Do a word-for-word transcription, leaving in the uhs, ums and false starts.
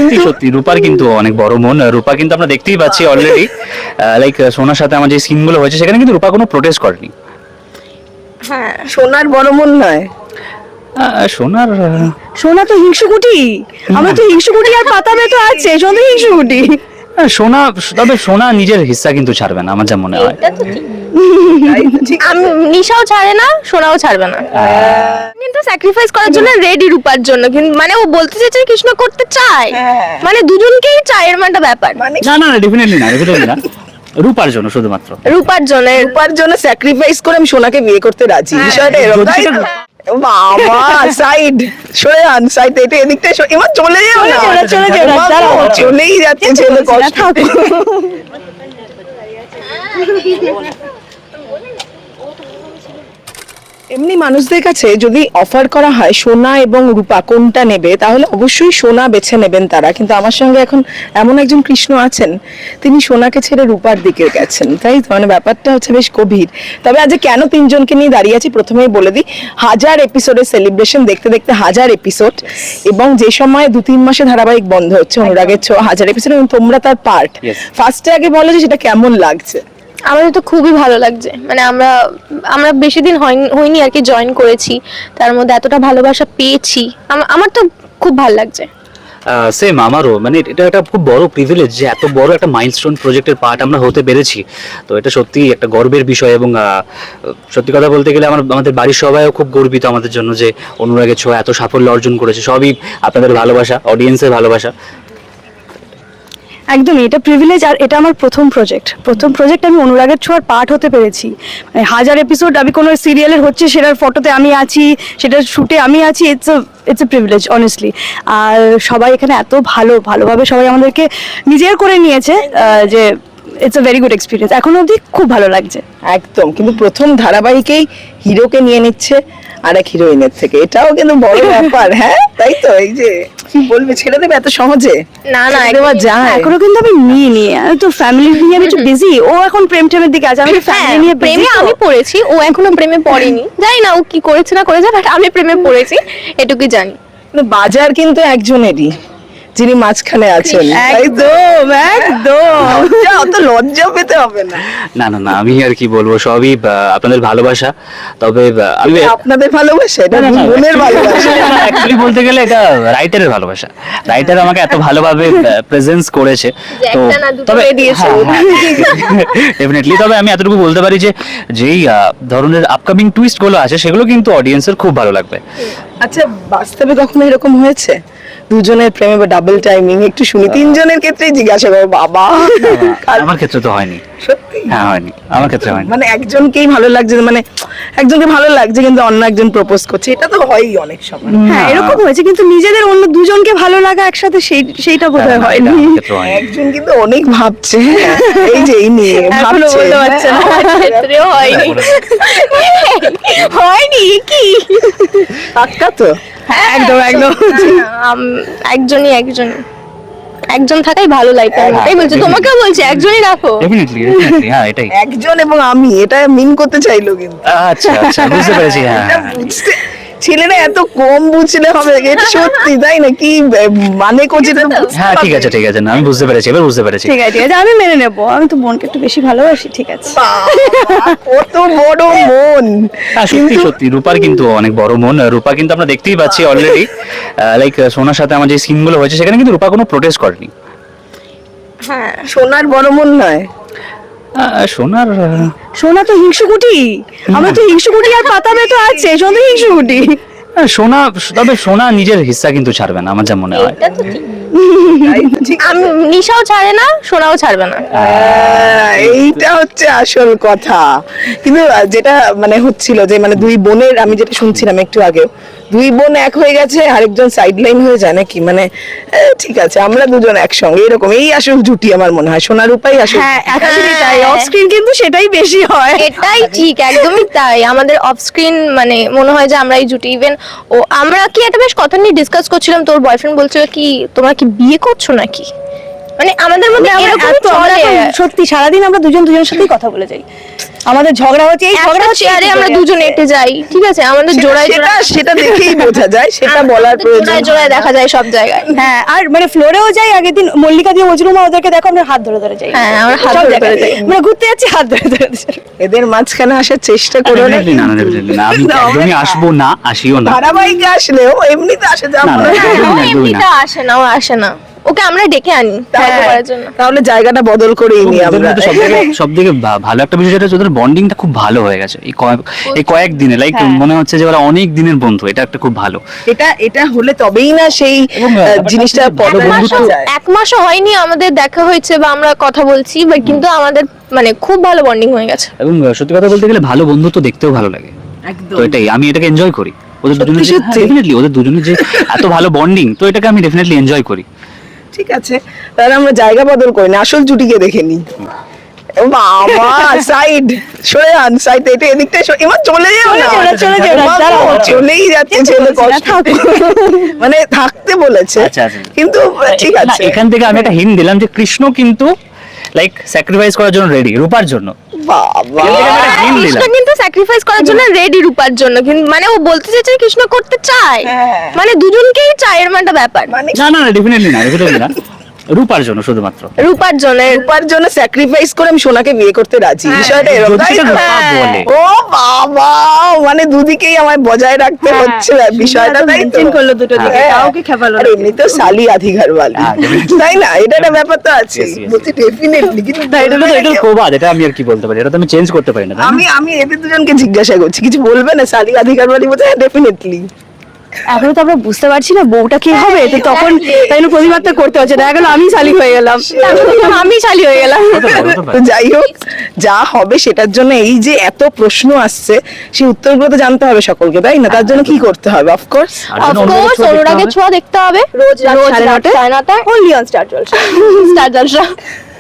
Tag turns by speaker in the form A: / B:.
A: সত্যি সত্যি রূপার কিন্তু অনেক বড় মন। রূপা কিন্তু আমরা দেখতেই পাচ্ছি অলরেডি, লাইক সোনার সাথে আমার যে সিনগুলো হয়েছে সেখানে কিন্তু রূপা কোনো প্রোটেস্ট করেনি।
B: হ্যাঁ,
C: সোনার বড় মন নয়,
A: আহ, সোনার আহ,
B: সোনা তো হিংসুকুটি, আমরা তো হিংসুকুটি আর পাতাবে তো আছে, সোনা তো হিংসুকুটি।
A: আহ, সোনা, তবে সোনা নিজের হিস্সা কিন্তু ছাড়বে না আমার যা মনে হয়।
B: এটা তো ঠিক।
C: তাই তো, ঠিক আছে।
B: আমি নিশাও ছাড়ে না, সোনাও ছাড়বে না, কিন্তু স্যাক্রিফাইস করার জন্য রেডি রূপার জন্য। কিন্তু মানে ও বলতে চাইছে কৃষ্ণ করতে চায়,
C: হ্যাঁ।
B: মানে দুজনকেই চায়, এর একটা ব্যাপার।
C: মানে
A: না না ডেফিনেটলি না, ডেফিনেটলি না, রূপার জন্য শুধুমাত্র।
B: রূপার জন্য,
C: রূপার জন্য স্যাক্রিফাইস করে আমি সোনাকে বিয়ে করতে রাজি, বিষয়টা এরকম
A: যদি
C: তাই তো?
A: সেটা-
C: বাবা সাইড সরে আন, সাইড এটা এদিকটা সরে- এবার চলে যাও না,
B: চলে যাও, চলে যাও না,
C: এবার
B: দাঁড়াও।
C: চলেই যাচ্ছে ছেলে, কষ্ট। এমনি মানুষদের কাছে যদি অফার করা হয় সোনা এবং রূপা কোনটা নেবে, তাহলে অবশ্যই সোনা বেছে নেবেন তারা। কিন্তু আমার সঙ্গে এখন এমন একজন কৃষ্ণ আছেন, তিনি সোনাকে ছেড়ে রূপার দিকে গেছেন, তাই তো? মানে ব্যাপারটা হচ্ছে বেশ গভীর। তবে আজ কেন তিনজনকে নিয়ে দাঁড়িয়ে আছি প্রথমেই বলে দিই, হাজার এপিসোডের সেলিব্রেশন দেখতে দেখতে হাজার এপিসোড, এবং যে সময় দু তিন মাসে ধারাবাহিক বন্ধ হচ্ছে অনুরাগের ছোঁয়া হাজার এপিসোড, এবং তোমরা তার পার্ট।
A: Yes.
C: ফার্স্টে আগে বলো যে সেটা কেমন লাগছে।
B: আমাদের তো খুবই ভালো লাগছে, মানে আমরা আমরা বেশি দিন হয়নি হয়নি আর কি জয়েন করেছি, তার মধ্যে এতটা ভালোবাসা পেয়েছি, আম- আমার তো খুব ভালো লাগছে।
A: সেম আমারও, মানে এটা একটা খুব বড় প্রিভিলেজ যে এত বড় একটা মাইলস্টোন প্রজেক্টের পার্ট আমরা হতে পেরেছি। তো এটা সত্যি একটা গর্বের বিষয়, এবং আহ, সত্যি কথা বলতে গেলে আমার আমাদের বাড়ির সবাইও খুব গর্বিত আমাদের জন্য যে অনুরাগের ছোঁয়া এত সাফল্য অর্জন করেছে। সবই আপনাদের ভালোবাসা, অডিয়েন্সের ভালোবাসা।
D: একদমই, এটা প্রিভিলেজ। আর এটা আমার প্রথম প্রজেক্ট, প্রথম প্রজেক্ট আমি অনুরাগের ছোঁয়ার পার্ট হতে পেরেছি। মানে হাজার এপিসোড আমি কোনো সিরিয়ালের হচ্ছে সেটার ফটোতে আমি আছি, সেটার শুটে আমি আছি। It's it's a privilege honestly. আর সবাই এখানে এত ভালো ভালোভাবে সবাই আমাদেরকে নিজের করে নিয়েছে, আহ, যে it's a very good experience. এখনো অবধি খুব ভালো লাগছে।
C: একদম, কিন্তু প্রথম ধারাবাহিকেই হিরোকে নিয়ে নিচ্ছে আর এক হিরোইনের থেকে, এটাও কিন্তু বড় ব্যাপার। হ্যাঁ তাই তো, এই যে কি বলবে, ছেড়ে দেবে এত সহজে?
B: না না,
C: ছেড়ে দেওয়া
B: একদমই।
C: যায়?
D: এখনো কিন্তু আমি নিয়ে নিয়ে আমি তো ফ্যামিলি নিয়ে আমি একটু বিজি। ও এখন প্রেম টেমের দিকে আছে, আমি
B: হ্যাঁ,
D: ফ্যামিলি নিয়ে
B: প্রেমে আমি পড়েছি, ও এখনো প্রেমে পড়েনি। জানি না ও কি করেছে না করেছে, বাট আমি প্রেমে পড়েছি, এটুকুই জানি।
C: কিন্তু বাজার কিন্তু একজনেরই, যিনি মাঝখানে আছেন, তাই তো?
D: একদম একদম।
C: লজ্জা, অত লজ্জা পেতে হবে না।
A: না না না, আমি আর কি বলবো, সবই আহ, আপনাদের ভালোবাসা। তবে আহ, আমি
C: এটা আপনাদের ভালোবাসা, এটা
A: না, না, না,
C: বোনের ভালোবাসা।
A: অ্যাকচুয়ালি বলতে গেলে এটা রাইটারের ভালোবাসা। রাইটার আমাকে এত ভালোভাবে প্রেজেন্স করেছে।
B: যে
A: তো
B: একটা না দুটো
A: তবে
B: হয়ে দিয়েছে।
A: ডেফিনেটলি, তবে আমি এতটুকু বলতে পারি যে যেই আহ, ধরনের আপকামিং টুইস্ট গুলো আছে সেগুলো কিন্তু অডিয়েন্সের খুব ভালো লাগবে।
C: আচ্ছা, বাস্তবে কখনো এরকম হয়েছে দুজনের প্রেমে বা ডাবল টাইমিং? একটু শুনি, তিনজনের ক্ষেত্রেই জিজ্ঞাসা করো। বাবা,
A: আমার ক্ষেত্রে তো হয়নি।
C: সত্যি?
A: হ্যাঁ হয়নি, আমার ক্ষেত্রে হয়নি।
C: মানে একজনকেই ভালো লাগছে, মানে একজনকে ভালো লাগছে কিন্তু অন্য একজন প্রপোজ করছে, এটা তো হয়ই অনেক সময়।
D: হ্যাঁ এরকম হয়েছে, কিন্তু নিজেদের অন্য দুজনকে ভালো লাগা একসাথে সেই সেইটা বোধহয়
A: না,
D: হয়নি।
A: এটা আমার ক্ষেত্রে হয়নি।
C: একজন কিন্তু অনেক ভাবছে, এই যে এই নিয়ে
D: এখনো
C: ভাবছে।
D: বলতে পারছে না।
B: আমার ক্ষেত্রেও হয়নি। হয়নি কি?
C: পাক্কা তো?
B: হ্যাঁ,
D: একদম, একদম।
B: না, না, আম- একজনই একজন একজন থাকাই ভালো লাগবে, আমি তাই বলছি, তোমাকেও বলছি একজনই রাখো।
A: ডেফিনেটলি ডেফিনেটলি, হ্যাঁ এটাই।
C: একজন এবং আমি, এটা মিন করতে চাইলো কিন্তু।
A: আচ্ছা আচ্ছা, বুঝতে পেরেছি। হ্যাঁ
C: এটা
A: হ্যাঁ,
C: বুঝতে ছেলেরা এত কম বুঝলে হবে? এটা সত্যি তাই না? কি মানে করছে এটা বুঝতে
A: হ্যাঁ ঠিক
C: হবে।
A: আছে ঠিক আছে, না আমি বুঝতে পেরেছি, এবার বুঝতে পেরেছি।
D: ঠিক আছে ঠিক আছে, আমি মেনে নেবো। আমি তো বোনকে একটু বেশি ভালোবাসি, ঠিক আছে।
C: বাবা, কত বড় মন!
A: হ্যাঁ সত্যি
C: কিন্তু
A: সত্যি রূপার কিন্তু অনেক বড় মন। রূপা কিন্তু আমরা দেখতেই পাচ্ছি অলরেডি, লাইক সোনার সাথে আমার যে সিনগুলো হয়েছে সেখানে কিন্তু রূপা কোনো প্রোটেস্ট করেনি।
B: হ্যাঁ,
C: সোনার বড় মন নয়,
A: আহ, সোনার আহ,
D: সোনা তো হিংসুকুটি, আমরা তো হিংসুকুটি আর পাতাবে তো আছে, সোনা তো হিংসুকুটি।
A: হ্যাঁ, সোনা, তবে সোনা নিজের হিস্সা কিন্তু ছাড়বে না আমার যা মনে হয়।
B: এটা তো ঠিক।
C: তাই তো? ঠিক আছে।
B: আমি নিশাও ছাড়ে না, সোনাও ছাড়বে না।
C: আহ, এইটা হচ্ছে আসল কথা। কিন্তু আহ, যেটা মানে হচ্ছিল যে মানে দুই বোনের, আমি যেটা শুনছিলাম একটু আগেও, দুই বোন এক হয়ে গেছে, আরেকজন সাইড লাইন হয়ে যায় নাকি? মানে আহ, ঠিক আছে, আমরা দুজন একসঙ্গে, এরকম এই আসল জুটি আমার মনে হয়। সোনার রূপাই আসল।
D: হ্যাঁ অ্যাকচুয়ালি তাই,
B: হ্যাঁ।
D: অফ স্ক্রিন কিন্তু সেটাই বেশি হয়।
B: এটাই ঠিক, একদমই তাই। আমাদের অফ স্ক্রিন মানে মনে হয় যে আমরা এই জুটি। ইভেন ও আমরা কি একটা বেশ কথা নিয়ে ডিসকাস করছিলাম, তোর বয়ফ্রেন্ড বলছিল কি তোমরা কি বিয়ে করছো নাকি, মানে আমাদের মধ্যে
D: আমরা
B: এরকম
D: এত- আমরা
B: চলে।
D: এখন সত্যি সারাদিন আমরা দুজন দুজনের সাথেই কথা বলে যাই। আমাদের ঝগড়া হচ্ছে, এই ঝগড়া হচ্ছে
B: চেয়ারে আমরা দুজন এঁটে যাই, ঠিক আছে, আমাদের জোড়ায়
C: সেটা
B: জোড়ায়
C: সেটা দেখেই বোঝা যায়, সেটা বলার প্রয়োজন
B: জোড়ায় জোড়ায় দেখা যায় সব জায়গায়।
D: হ্যাঁ, আর মানে ফ্লোরেও যাই, আগের দিন মল্লিকা দিয়ে মজরুমা ওদেরকে দেখো আমরা হাত ধরে ধরে যাই।
B: হ্যাঁ, আমরা হাত
D: সব
B: ধরে
D: জায়গায়।
B: ধরে যাই।
D: আমরা ঘুরতে যাচ্ছি হাত ধরে ধরে যাই।
C: এদের মাঝখানে আসার চেষ্টা করো না।
A: Definitely না, না, definitely না। আমি
C: না, আমরা
A: একদমই আসবো না, আসিও না।
C: ধারাবাহিকে আসলেও এমনিতে আসে যা
A: না, না,
C: মনে হয়।
A: একদমই
B: ও
A: না, একদমই না।
B: এমনিতে আসে না, ও আসে না, ওকে আমরা ডেকে আনি
C: তাহলে-
B: গল্প করার জন্য।
C: তাহলে জায়গাটা বদল করেই নি আমরা।
A: সব থেকে ভালো একটা বিষয় যেটা হচ্ছে ওদের বন্ডিংটা খুব ভালো হয়ে গেছে এই কয়েক এই কয়েক দিনে, লাইক
D: হ্যাঁ।
A: মনে হচ্ছে যে ওরা অনেক দিনের বন্ধু, এটা একটা খুব ভালো।
C: এটা এটা হলে তবেই না সেই
A: এবং,
C: আহ,
A: ব্যাপারটা
C: জিনিসটা
A: হচ্ছে
C: পদ
A: ভালো
B: এক
A: বন্ধুত্ব
B: মাসও
C: যায়।
B: এক মাসও হয়নি আমাদের দেখা হয়েছে বা আমরা কথা বলছি, বাট কিন্তু আমাদের মানে খুব ভালো বন্ডিং হয়ে গেছে।
A: এবং আহ, সত্যি কথা বলতে গেলে ভালো বন্ধুত্ব দেখতেও ভালো লাগে,
C: একদম
A: তো এটাই আমি এটাকে এনজয় করি। ওদের
C: সত্যি
A: দুজনের
C: সত্যি।
A: ডেফিনেটলি ওদের দুজনের যে এত ভালো বন্ডিং, তো এটাকে আমি ডেফিনেটলি এনজয় করি।
C: ঠিক আছে, তাহলে আমরা জায়গা বদল করি না, আসল জুটিকে দেখে নি। বাবা সাইড সরে আন, সাইড এটা এদিকটা সরে- এবার চলে যাও না,
D: চলে যাও, চলে যাও না,
C: এবার
D: দাঁড়াও।
C: চলেই যাচ্ছে ছেলে কষ্ট। মানে থাকতে বলেছে,
A: আচ্ছা, আচ্ছা।
C: কিন্তু ঠিক
A: না,
C: আছে।
A: এখান থেকে আমি একটা হিন্ট দিলাম যে কৃষ্ণ কিন্তু লাইক স্যাক্রিফাইস করার জন্য রেডি, রূপার জন্য।
C: বাবা
A: এখান থেকে আমি একটা hint
B: কৃষ্ণ
A: দিলাম।
B: কিন্তু স্যাক্রিফাইস করার জন্য রেডি রূপার জন্য, কিন্তু মানে ও বলতে চাইছে কৃষ্ণ করতে চায়,
C: হ্যাঁ।
B: মানে দুজনকেই চায়, এর একটা ব্যাপার
C: মানে
A: না না না, ডেফিনেটলি না, ডেফিনেটলি না, রূপার জন্য শুধুমাত্র।
B: রূপার জন্য।
C: রূপার জন্য স্যাক্রিফাইস করে আমি সোনাকে বিয়ে করতে রাজি, বিষয়টা এরকম
A: যদি
C: তাই
A: সেটা
C: তো?
A: রূপা বলে।
C: ও বাবা, মানে দুদিকেই আমায় বজায় রাখতে হচ্ছে বিষয়টা, তাই তো?
D: মেনটেন করলো দুটো দিকে,
C: হ্যাঁ।
D: কাউকে খেপালো
C: আর
D: না।
C: এমনিতেও সালি আধিকার বালি,
A: হ্যাঁ, definitely.
C: তাই না? এটা একটা ব্যাপার তো আছে,
A: Yes, yes,
C: বলছি ডেফিনেটলি। কিন্তু
A: না, এটা তো এটা তো প্রবাদ, এটা আমি আর কি বলতে পারি, এটা তো আমি চেঞ্জ করতে পারি না, তাই না?
C: আমি আমি এদের দুজনকে জিজ্ঞাসা করছি, কিছু বলবে না? সালি আধিকার বালি বলছে হ্যাঁ ডেফিনেটলি।
D: এখনো তো আমরা বুঝতে পারছি না বউটা কি হবে, তো তখন তাই জন্য প্রতিবাদটা করতে হচ্ছে। দেখা গেল আমি শালি হয়ে গেলাম,
B: আমি শালি হয়ে গেলাম।
A: হতে পারে, হতে
C: তো
A: পারে।
C: যাই হোক, যা হবে সেটার জন্য এই যে এত প্রশ্ন আসছে, সেই উত্তরগুলো তো জানতে হবে সকলকে, তাই না? তার জন্য কি করতে হবে? অফকোর্স
A: আর জন্য অন্য
B: অফকোর্স
A: কিছু দেখতে
B: অনুরাগের
A: হবে।
B: ছোঁয়া দেখতে হবে রোজ রাত
D: রোজ
B: সাড়ে
D: রাত
B: নটায়, সাড়ে নটায়
D: only on Star Jalsha.
B: Star Jalsha.